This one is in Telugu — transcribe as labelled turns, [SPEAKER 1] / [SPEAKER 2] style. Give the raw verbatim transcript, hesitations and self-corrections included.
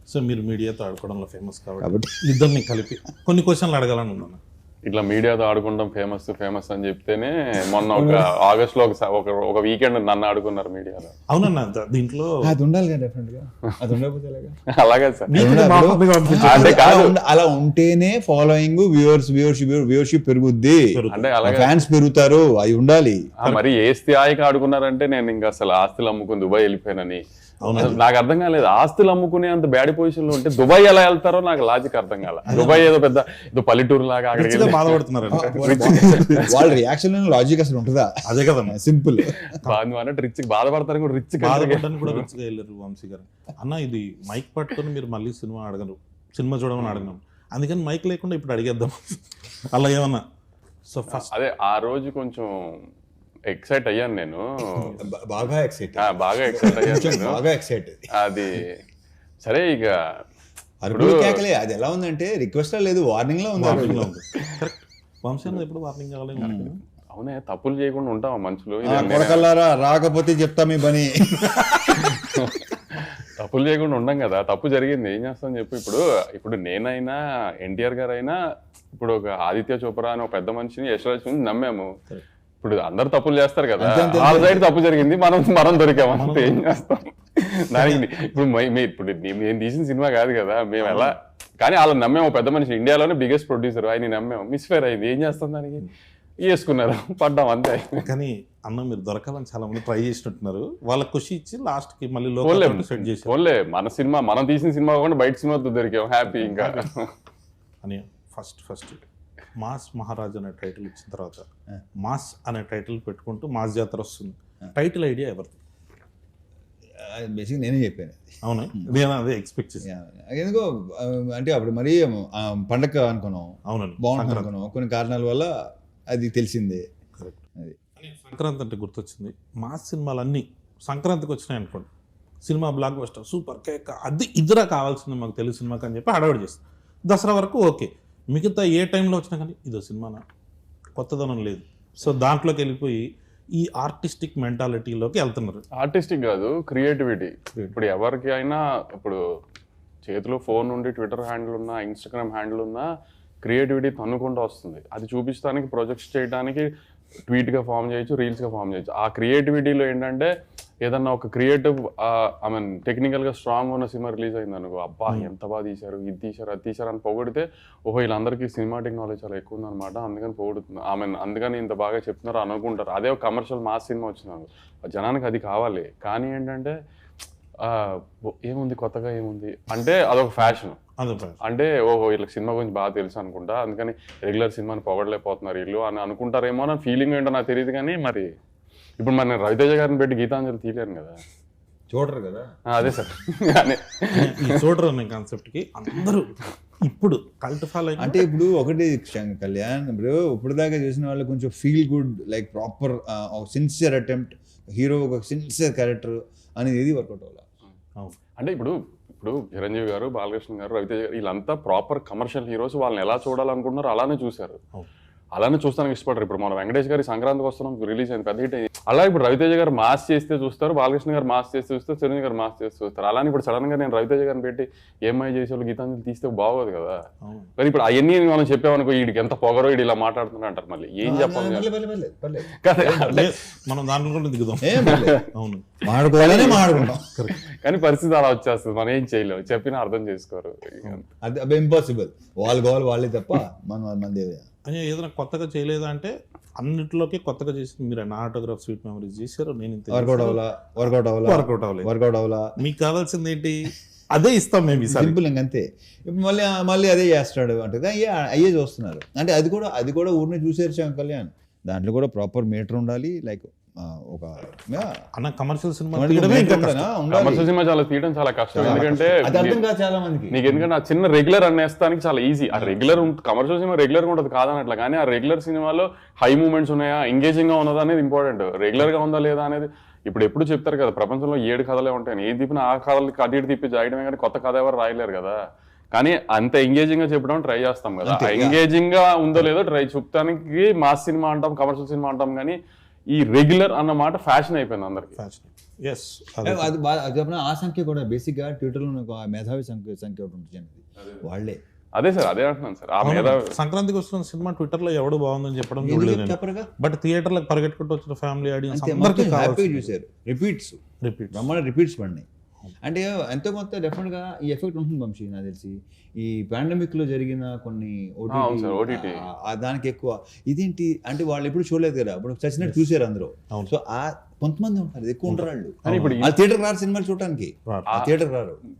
[SPEAKER 1] సో మీరు మీడియాతో ఆడుకోవడంలో ఫేమస్ కాబట్టి ఇద్దరిని కలిపి కొన్ని క్వశ్చన్లు అడగాలని ఉన్నాను.
[SPEAKER 2] ఇట్లా మీడియాతో ఆడుకుంటాం ఫేమస్ ఫేమస్ అని చెప్తేనే మొన్న ఒక ఆగస్ట్ లో ఒక ఒక వీకెండ్ నన్ను ఆడుకున్నారు మీడియాలో.
[SPEAKER 1] అవునన్నా దీంట్లో
[SPEAKER 3] అది ఉండాలి కదా డెఫినెట్ గా, అది ఉండకపోతే
[SPEAKER 2] అలాగే సార్.
[SPEAKER 3] అంటే అలా ఉంటేనే ఫాలోయింగ్ వ్యూవర్స్ వ్యూవర్షిప్ వ్యూవర్షిప్ పెరుగుద్ది, అంటే అలాగే ఫ్యాన్స్ పెరుగుతారు, అవి ఉండాలి.
[SPEAKER 2] మరి ఏ స్థాయికి ఆడుకున్నారంటే నేను ఇంకా అసలు ఆస్తులు అమ్ముకుని దుబాయ్ వెళ్ళిపోయానని నాకు అర్థం కాలేదు. ఆస్తులు అమ్ముకునే అంత బ్యాడ్ పొజిషన్ లో ఉంటే దుబాయ్ ఎలా వెళ్తారో నాకు లాజిక్ అర్థం కాల. దుబాయ్ ఏదో పెద్ద ఏదో పల్లెటూరు లాగా అక్కడికి
[SPEAKER 1] బాధపడుతున్నారు.
[SPEAKER 3] వాళ్ళ రియాక్షన్ లాజిక్ అసలు ఉంటుందా?
[SPEAKER 1] అదే కదా
[SPEAKER 3] సింపుల్.
[SPEAKER 2] అన్నట్టు రిచ్ బాధపడతారు కూడా, రిచ్
[SPEAKER 1] బాధపడడానికి కూడా రిచ్ గా వెళ్ళారు వంశీ గారు. అన్న ఇది మైక్ పట్టుకొని మీరు మళ్ళీ సినిమా అడగరు, సినిమా చూడమని అడగను, అందుకని మైక్ లేకుండా ఇప్పుడు అడిగేద్దాం అలా ఏమన్నా. సో ఫస్ట్
[SPEAKER 2] అదే ఆ రోజు కొంచెం ఎక్సైట్ అయ్యాను నేను,
[SPEAKER 3] బాగా ఎక్సైట్
[SPEAKER 2] బాగా ఎక్సైట్ అయ్యాను
[SPEAKER 3] బాగా ఎక్సైట్.
[SPEAKER 2] అది సరే ఇక
[SPEAKER 3] అరుపులు కేకలే. అది ఎలా ఉందంటే రిక్వెస్ట్ లేదు, వార్నింగ్ లో ఉంది.
[SPEAKER 1] వార్నింగ్ లో ఉంది. వంశీ ఎప్పుడు వార్నింగ్ కావాలి.
[SPEAKER 2] అవునే, తప్పులు చేయకుండా ఉంటాం మనుషులు.
[SPEAKER 3] కొడకల్లారా రాకపోతే చెప్తా మీ పని.
[SPEAKER 2] తప్పులు చేయకుండా ఉండం కదా, తప్పు జరిగింది ఏం చేస్తాం చెప్పు. ఇప్పుడు ఇప్పుడు నేనైనా ఎన్టీఆర్ గారు అయినా ఇప్పుడు ఒక ఆదిత్య చోప్రా అని ఒక పెద్ద మనిషిని యశ్వరాజ్ నమ్మాము. ఇప్పుడు అందరు తప్పులు చేస్తారు కదా, వాళ్ళ సైడ్ తప్పు జరిగింది, మనం మనం దొరికామంటే ఏం చేస్తాం దానికి. ఇప్పుడు ఇప్పుడు నేను తీసిన సినిమా కాదు కదా, మేము ఎలా కానీ వాళ్ళని నమ్మాము. పెద్ద మనిషి ఇండియాలోనే బిగ్గెస్ట్ ప్రొడ్యూసర్, ఆయన నమ్మాము, మిస్ఫేర్ అయింది, ఏం చేస్తాం దానికి, వేసుకున్నారు, పడ్డాం అంతే.
[SPEAKER 1] కానీ అన్న మీరు దొరకాలని చాలా మంది ట్రై చేసినట్టున్నారు, వాళ్ళ ఖుషి ఇచ్చి లాస్ట్ కి మళ్ళీ లోకల్ సెట్ చేసి
[SPEAKER 2] ఓన్లే మన సినిమా మనం తీసిన సినిమా కాకుండా బయట సినిమాతో దొరికాం, హ్యాపీ. ఇంకా
[SPEAKER 1] అని ఫస్ట్ ఫస్ట్ మాస్ మహారాజ్ అనే టైటిల్ ఇచ్చిన తర్వాత మాస్ అనే టైటిల్ పెట్టుకుంటూ మాస్ జాతర వస్తుంది. టైటిల్ ఐడియా ఎవరిది?
[SPEAKER 3] బేసిక్ నేనే చెప్పాను.
[SPEAKER 1] అవునా, నేను అదే ఎక్స్పెక్ట్ చేశాను.
[SPEAKER 3] ఎందుకో అంటే అప్పుడు మరీ పండగ అనుకున్నాం, అవునండి బాగుంటుంది అనుకున్నాం, కొన్ని కారణాల వల్ల అది తెలిసిందే.
[SPEAKER 1] అది సంక్రాంతి అంటే గుర్తొచ్చింది, మాస్ సినిమాలన్నీ సంక్రాంతికి వచ్చినాయి అనుకోండి, సినిమా బ్లాక్ బస్టర్ సూపర్ కేక్ అది ఇద్దరా కావాల్సింది మాకు తెలుగు సినిమాకి అని చెప్పి హడావిడి చేస్తాం. దసరా వరకు ఓకే, మిగతా ఏ టైంలో వచ్చినా కానీ ఇదో సినిమానా, కొత్తదనం లేదు. సో దాంట్లోకి వెళ్ళిపోయి ఈ ఆర్టిస్టిక్ మెంటాలిటీలోకి వెళ్తున్నారు.
[SPEAKER 2] ఆర్టిస్టిక్ కాదు, క్రియేటివిటీ. ఇప్పుడు ఎవరికి అయినా ఇప్పుడు చేతిలో ఫోన్ ఉండి ట్విట్టర్ హ్యాండిల్ ఉన్నా, ఇన్స్టాగ్రామ్ హ్యాండిల్ ఉన్నా, క్రియేటివిటీ తన్నుకుంటూ వస్తుంది. అది చూపించడానికి, ప్రొజెక్ట్స్ చేయడానికి ట్వీట్గా ఫామ్ చేయొచ్చు, రీల్స్గా ఫామ్ చేయొచ్చు. ఆ క్రియేటివిటీలో ఏంటంటే ఏదన్నా ఒక క్రియేటివ్ ఐ మీన్ టెక్నికల్గా స్ట్రాంగ్ ఉన్న సినిమా రిలీజ్ అయింది అనుకో, అబ్బా ఎంత బాగా తీశారు, ఇది తీశారు, అది తీశారు అని పొగిడితే, ఓహో వీళ్ళందరికీ సినిమాటిక్ నాలెడ్జ్ చాలా ఎక్కువ ఉందన్నమాట, అందుకని పొగుడుతుంది, ఐ మీన్ అందుకని ఇంత బాగా చెప్తున్నారు అనుకుంటారు. అదే ఒక కమర్షియల్ మాస్ సినిమా వచ్చింది, జనానికి అది కావాలి. కానీ ఏంటంటే ఏముంది కొత్తగా ఏముంది అంటే అదొక ఫ్యాషన్. అంటే ఓహో వీళ్ళకి సినిమా గురించి బాగా తెలుసు అనుకుంటా, అందుకని రెగ్యులర్ సినిమాని పొగడలేకపోతున్నారు వీళ్ళు అని అనుకుంటారేమో అని ఫీలింగ్ ఏంటో నాకు తెలియదు. కానీ మరి ఇప్పుడు మరి రవితేజ గారిని పెట్టి గీతాంజలి తీయలేను కదా,
[SPEAKER 3] చూడరు కదా.
[SPEAKER 2] అదే సార్,
[SPEAKER 1] చూడరు అనే కాన్సెప్ట్కి అందరూ ఇప్పుడు కల్ట్ ఫాలో.
[SPEAKER 3] అంటే ఇప్పుడు ఒకటి కళ్యాణ్, ఇప్పుడు ఇప్పుడు దాకా చూసిన వాళ్ళు కొంచెం feel good like proper sincere attempt, hero ఒక సిన్సియర్ క్యారెక్టర్ అనేది ఏది వర్కౌట్ అవ్వాలి.
[SPEAKER 2] అంటే ఇప్పుడు ఇప్పుడు చిరంజీవి గారు, బాలకృష్ణ గారు, రవితేజ గారు వీళ్ళంతా ప్రాపర్ కమర్షియల్ హీరోస్, వాళ్ళని ఎలా చూడాలనుకుంటున్నారు అలానే చూశారు, అలానే చూస్తానికి ఇష్టపడరు. ఇప్పుడు మన వెంకటేష్ గారి సంక్రాంతికి వస్తున్నాం రిలీజ్ అయింది, పెద్ద హిట్ అయింది. అలా ఇప్పుడు రవితేజ గారు మాస్ చేస్తే చూస్తారు, బాలకృష్ణ గారు మాస్ చేస్తే చూస్తారు, చిరంజీవి గారు మాస్ చేస్తే చూస్తారు. అలానే ఇప్పుడు సడన్ గా నేను రవితేజ గారిని పెట్టి ఏమై చేసేవాళ్ళు గీతాంజలి తీస్తే బాగోదు కదా. కానీ ఇప్పుడు అవన్నీ మనం చెప్పామనుకో, వీడికి ఎంత పొగరో వీడు ఇలా మాట్లాడుతున్నా అంటారు, మళ్ళీ ఏం చెప్పాలి
[SPEAKER 1] మనం దాంట్లో దిగుదాం.
[SPEAKER 3] మాట్లాడుకోవాలనే మాట్లాడుకుంటాం,
[SPEAKER 2] కానీ పరిస్థితి అలా వచ్చేస్తుంది, మనం ఏం చేయలేము, చెప్పినా అర్థం చేసుకోరు.
[SPEAKER 3] అది ఇంపాసిబుల్, వాళ్ళు కావాలి వాళ్ళే తప్ప మనం మంది
[SPEAKER 1] అని ఏదైనా కొత్తగా చేయలేదా అంటే అన్నింటిలోకి కొత్తగా చేసి మీరు నా ఆటోగ్రాఫ్ స్వీట్ మెమరీస్ చేశారు, నేను
[SPEAKER 3] వర్కౌట్ అవ్వాలా వర్కౌట్ అవ్వాలా
[SPEAKER 1] వర్కౌట్ అవ్వలేదు
[SPEAKER 3] వర్కౌట్ అవ్వాలా
[SPEAKER 1] మీకు కావాల్సింది ఏంటి అదే ఇస్తాం మేము,
[SPEAKER 3] సింపుల్ ఇంకంతే. ఇప్పుడు మళ్ళీ మళ్ళీ అదే చేస్తాడు అంటే అయ్యే అయ్యే చూస్తున్నారు. అంటే అది కూడా అది కూడా ఊరిని చూసేరు కళ్యాణ్, దాంట్లో కూడా ప్రాపర్ మీటర్ ఉండాలి. లైక్ ఒక
[SPEAKER 1] అన్న కమర్షియల్ సినిమా
[SPEAKER 2] కమర్షియల్ సినిమా చాలా తీయడం చాలా కష్టం, ఎందుకంటే
[SPEAKER 3] చాలా మందికి
[SPEAKER 2] నీకు ఎందుకంటే ఆ చిన్న రెగ్యులర్ అనేస్తానికి చాలా ఈజీ. ఆ రెగ్యులర్ కమర్షియల్ సినిమా రెగ్యులర్ గా ఉంటుంది కాదనట్లా, కానీ ఆ రెగ్యులర్ సినిమాలో హై మూమెంట్స్ ఉన్నాయా, ఎంగేజింగ్ గా ఉన్నదా అనేది ఇంపార్టెంట్. రెగ్యులర్ గా ఉందా లేదా అనేది ఇప్పుడు ఎప్పుడు చెప్తారు కదా, ప్రపంచంలో ఏడు కథలే ఉంటాయి, ఏ తిప్పిన ఆ కథలు అటు ఇటు తిప్పి జాయడమే, కానీ కొత్త కథ ఎవరు రాయలేరు కదా. కానీ అంత ఎంగేజింగ్ గా చెప్పడం ట్రై చేస్తాం కదా, ఎంగేజింగ్ గా ఉందో లేదో ట్రై చూపడానికి మాస్ సినిమా అంటాం, కమర్షియల్ సినిమా అంటాం. కానీ ఈ రెగ్యులర్ అన్న మాట ఫ్యాషన్ అయిపోయింది అందరికి.
[SPEAKER 1] ఫ్యాషన్ ఎస్
[SPEAKER 3] అది బా- అది చెప్పిన ఆ సంఖ్య కూడా బేసిక్గా ట్విట్టర్లో ఒక మేధావి సంఖ్య సంఖ్య ఒకటి ఉంటుంది వాళ్ళే.
[SPEAKER 2] అదే సార్ అదే అంటున్నాను సార్. ఆ మీద
[SPEAKER 1] సంక్రాంతికి వస్తున్న సినిమా ట్విట్టర్ లో ఎవడు బాగుందని చెప్పడం
[SPEAKER 3] ఎందుకు
[SPEAKER 1] చూడలేదు నేను.
[SPEAKER 3] చెప్పరుగా
[SPEAKER 1] బట్ థియేటర్లకు పరిగెట్టుకుంటూ వచ్చిన ఫ్యామిలీ ఆడియన్స్
[SPEAKER 3] అంతే
[SPEAKER 1] అందరికీ
[SPEAKER 3] మొత్తం హ్యాపీగా
[SPEAKER 1] కావాలి
[SPEAKER 3] చూశారు. రిపీట్స్
[SPEAKER 1] రిపీట్
[SPEAKER 3] బ్రహ్మాండ రిపీట్స్ పడినాయి. అంటే ఎంతో కొంత డెఫినెట్గా ఈ ఎఫెక్ట్ ఉంటుంది వంశీ నాకు తెలిసి. ఈ పాండమిక్ లో జరిగిన కొన్ని
[SPEAKER 2] అవును sir, O T T.
[SPEAKER 3] OTT దానికి ఎక్కువ ఇదేంటి అంటే వాళ్ళు ఎప్పుడు చూడలేదు కదా, ఇప్పుడు చచ్చినట్టు చూసారు అందరూ.
[SPEAKER 1] అవును.
[SPEAKER 3] సో ఆ కొంతమంది ఉంటారు, ఎక్కువ ఉంటారు వాళ్ళు.
[SPEAKER 2] కానీ ఇప్పుడు
[SPEAKER 3] ఆ థియేటర్ రారు సినిమాలు చూడటానికి,
[SPEAKER 1] రారు.
[SPEAKER 3] ఆ థియేటర్ రారు.